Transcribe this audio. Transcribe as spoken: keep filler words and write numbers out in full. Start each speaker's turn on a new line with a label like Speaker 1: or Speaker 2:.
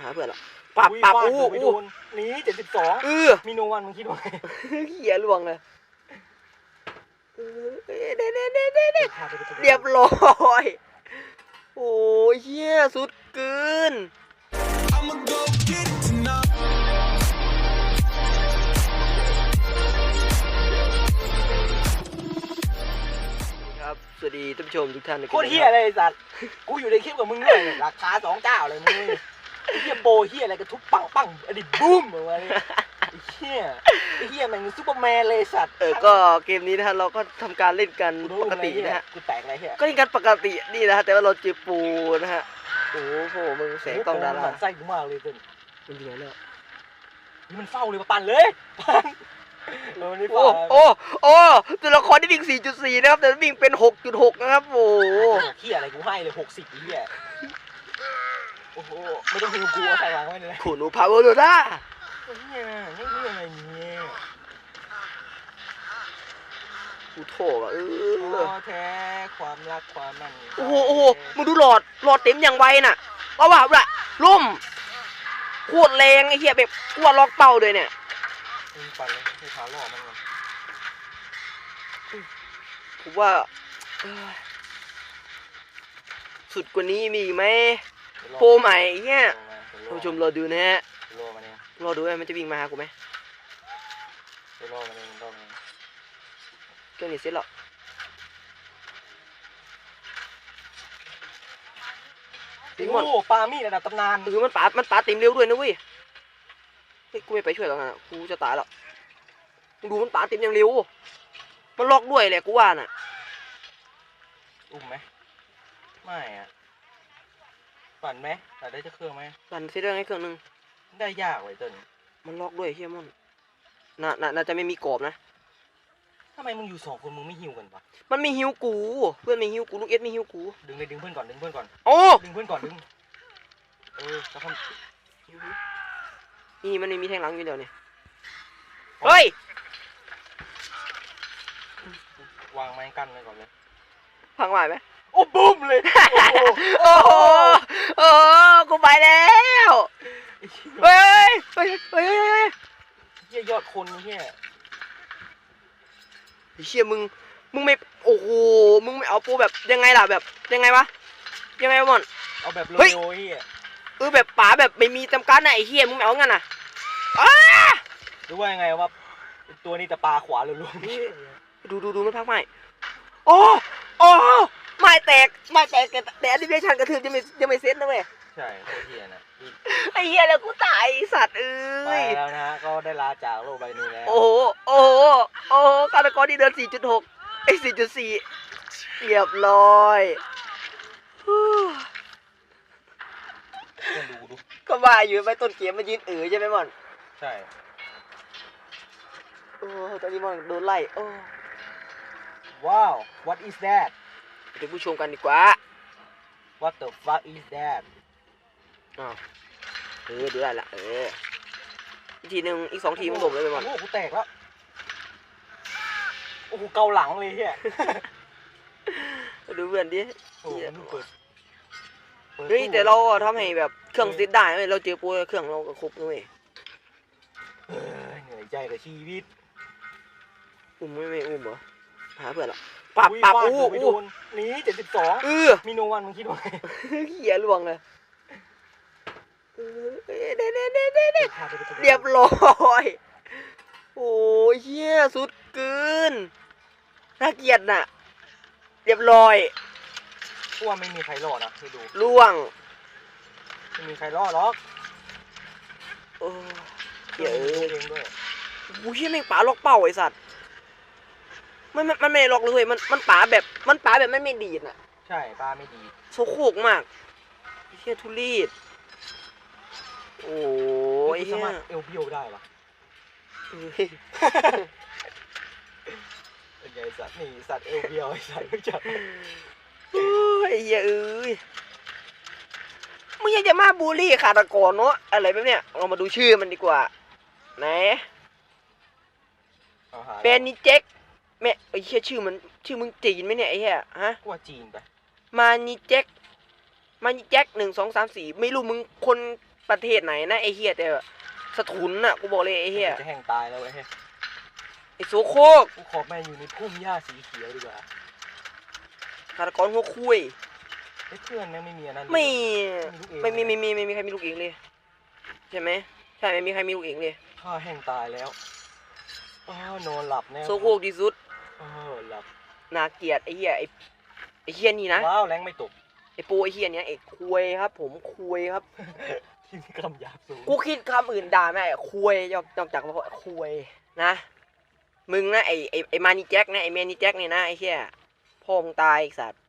Speaker 1: หาเพื่อนละปับปับอู้อู้
Speaker 2: นี้เจ็ดสิบสอง
Speaker 1: เออ
Speaker 2: มีโนวันมึงคิดว่าไง
Speaker 1: เหี้ยล่วงเลยเด้เด้เด้เด้เด้เรียบร้อยโอ้ยเหี้ยสุดเกินครับสวัสดีท่านผู้ชมทุกท่าน
Speaker 2: โคตรเหี้ยอะไรสัตว์กูอยู่ในคลิปกับมึงด้วยราคาสองเจ้าเลยมึงเหี้ยโปเหี้ยอะไรกระทุบปังปังอดีตบูมอะไรเหี้ยไอ้เหี้ยมันซูเปอร์แมนเลยสัตว์
Speaker 1: เออก็เกมนี้นะฮะเราก็ทำการเล่นกันปกตินะฮะ
Speaker 2: กูแตกอะไรเหี้ย
Speaker 1: ก็เล่นกันปกตินี่นะฮะแต่ว่าเราเจอปูนะฮะโอ้โหมึงแสงกล้องดารา
Speaker 2: ไส้กูมากเลยเต้น
Speaker 1: มันเหลือแล้ว
Speaker 2: นี่มันเฝ้าเลยมาปั่นเลยปั่น
Speaker 1: โอ้โอ้โอ้ตัวละครที่วิ่ง สี่จุดสี่ นะครับแต่วิ่งเป็น หกจุดหก นะครับโอ้โห
Speaker 2: เหี้ยอะไรกูให้เลยหกสิบเหี้ยโอ้โหไม่ต้องหิวกูเอาใส่วางไว้เลย
Speaker 1: ขู่หนูพาวเวอร์โดด้า
Speaker 2: เนี่ยนี่คืออะไรเนี่ย
Speaker 1: กูโถอ่ะเออ
Speaker 2: แท้ความรักความมัน
Speaker 1: โอ้โหโอ้โหมึงดูหลอดหลอดเต็มอย่างไวน่ะว่าว่าละล่มโคตรแรงไอ้เหี้ยแบบกลัวล็อกเป้าด้วยเนี่ย
Speaker 2: มึงปั่นเลยให้ขาล่อมันก่อน
Speaker 1: ผมว่าสุดกว่านี้มีไหมโปรใหม่เงี้ยท่านผู้ชมรอดูนะฮะรอดูว่ามันจะวิ่งมาหากูไหม
Speaker 2: รอมันเองรอมัน
Speaker 1: เครื่องนี้เสร็จแล้ว
Speaker 2: โอ้ปามี่ระดับตำนาน
Speaker 1: คือมันปามันปาเต็มเร็วด้วยนะเว้ยเฮ้ยกูไม่ไปช่วยแล้วนะกูจะตายแล้วดูมันปาเต็มอย่างเร็วมันล็อกด้วยแหละกูว่าน่ะ
Speaker 2: อุ้มไหมไม่อะปั่นไหมปั่นได้จะเครื่องไหม
Speaker 1: ปั่นเสร็จได้ไงเครื่องนึง
Speaker 2: ได้ยากเลยต้น
Speaker 1: มันล็อกด้วยเฮียมอนน่าน่าจะไม่มีกรอบนะ
Speaker 2: ทำไมมึงอยู่สองคนมึงไม่หิวกันปะ
Speaker 1: มันไม่หิวกูเพื่อนไม่หิวกูลูกเอสไม่หิวกู
Speaker 2: ดึงเลยดึงเพื่อนก่อนดึงเพื่อนก่อน
Speaker 1: โอ้
Speaker 2: ดึงเพื่อนก่อนดึงเออจะทำ
Speaker 1: นี่มันไม่มีแทงหลังอยู่เดียวนี่เฮ้ยว
Speaker 2: างไม้กั้นไว้ก่อนเลย
Speaker 1: พังไหวไหม
Speaker 2: โอ้บูมเลย
Speaker 1: โอ้โหโอ้กูไปแล้วเฮ้ยเฮ้ยเฮ้ยเฮ้ย
Speaker 2: เฮียยอดคนเฮีย
Speaker 1: เชี่ยมึงมึงไม่โอ้โหมึงไม่เอาปูแบบยังไงล่ะแบบยังไงวะยังไงวะมอน
Speaker 2: เอาแบบโรยเฮีย
Speaker 1: เออแบบป๋าแบบไม่มีจำกัดไหนเฮียมึงไม่เอางั้นน่ะอ้า
Speaker 2: หรือว่ายังไงว่าตัวนี้จะปลาขวาหรือลุง
Speaker 1: ดูดูดูมันพักใหม่โอ้โอ้ไม่แตกไม่แตกแต่แอนิเมชันกระทืบยังไม่ยังไม่เซ็ตนะเว้ย
Speaker 2: ใช่โคตรเฮียนะ
Speaker 1: ไอ้เฮียแล้วกูตายสัตว์เอ้
Speaker 2: ยไปแล้วนะก็ได้ลาจากโลกใบนี้แล้ว
Speaker 1: โอ้โหโอ้โหโอ้โหฆาตกรที่เดิน สี่จุดหก ไอ้ สี่จุดสี่ เรียบร้อยก็ว่าอยู่ไปต้นเกมมันยืนเอ๋อใช่ไหมมอน
Speaker 2: ใช่
Speaker 1: โอ้ตอนนี้มอนโดนไล่โอ้
Speaker 2: ว้าว what is that
Speaker 1: เดี๋ยวผู้ชมกันดีกว่า
Speaker 2: what the fuck is that
Speaker 1: อ้าวเออดูได้ละเอออีกทีหนึ่งอีกสองทีมันบ่มเลยไปมอน
Speaker 2: โอ้โหกูแตกแล้วโอ้โหเกาหลังเลยเฮีย
Speaker 1: ดูเพื่อนดิ
Speaker 2: เฮ้
Speaker 1: ยแต่เราทำให้แบบเครื่องติดได้ไหมเราเจอปูเครื่องเราก็ครบด้วย
Speaker 2: เหนื่อยใจกับชีวิต
Speaker 1: อุ้มไม่ไม่อุ้มเหรอหาเพื่อนละปับปับอู้อู้
Speaker 2: นี้เจ็ดสิบสอง
Speaker 1: เออ
Speaker 2: มีโนวันมึงคิดว่าไง
Speaker 1: เหี้ยล่วงเลยเด้เด้เด้เด้เด้เรียบร้อยโอ้ยเหี้ยสุดเกินน่าเกลียดน่ะเรียบร้อย
Speaker 2: พวกไม่มีใครรอดนะให้ดู
Speaker 1: ล่วง
Speaker 2: ไม่มีใครรอดหรอก
Speaker 1: โอ้เหี้ยเองด้วยโอ้ยเหี้ยแม่งป๋าล็อกเป้าไอ้สัตว์มันมันไม่ล็อกเลยมันมันป๋าแบบมันป๋าแบบไม่ไม่ดีดน่ะ
Speaker 2: ใช่ป๋าไม่ดี
Speaker 1: โซโคกมากเหี้ยทุลีดโอ้ย
Speaker 2: สามารถเอลเพียวได้ปะเป็นไงสัตว์นี่สัตว์เอลเพียวไอ้สัตว์ไม่จับ
Speaker 1: โอ้ยเหี้ยเอ้ยมึงยังจะมาบูลลี่ฆาตกรเนาะอะไรแบบเนี้ยเรามาดูชื่อมันดีกว่าไหนเป็นนิเจ็กแม่ไอ้เหี้ยชื่อมันชื่อมึงจีนไหมเนี่ยไอ้เหี้ยฮะ
Speaker 2: กูว่าจีนไป
Speaker 1: มานิเจ็กมานิเจ็กหนึ่งสองสามสี่ไม่รู้มึงคนประเทศไหนนะไอ้เฮียแต่สถุนน่ะกูบอกเลยไอ้เฮีย
Speaker 2: จะแห้งตายแล้วเว้ย
Speaker 1: ไอ้โซโคก
Speaker 2: กูขอแม่อยู่ในพุ่มหญ้าสีเขียวดีกว่า
Speaker 1: ฆาตกรหัวคุย
Speaker 2: ไอ้เพื่อนแม่งไม่มีอันนั้น
Speaker 1: ไม่
Speaker 2: ลูกเอง
Speaker 1: ไม่มีไม่มีไม่มีใครมีลูกเองเลยใช่ไหมใช่ไม่มีใครมีลูกเองเลย
Speaker 2: ข้าแห้งตายแล้วอ้าวนอนหลับแน่
Speaker 1: โซโคกที่สุด
Speaker 2: เออหลับ
Speaker 1: น่าเกลียดไอ้เหี้ยไอ้ไอ้เหี้ยนี่นะ
Speaker 2: ว้าวแรงไม่ตก
Speaker 1: ไอ้ปูไอ้เหี้ยเนี้ยไอ้คุยครับ ผมคุยครับ
Speaker 2: ที่มีคำหยาบสูง
Speaker 1: กูคิดคำอื่นด่าไม่ได้คุยนอกนอกจากว่าคุยนะมึงนะไอ้ไอ้ไอ้มานี่แจ็คนะไอ้แมนนี่แจ็คเนี่ยนะไอ้เหี้ยพ่อมึงตายไอ้สัตว์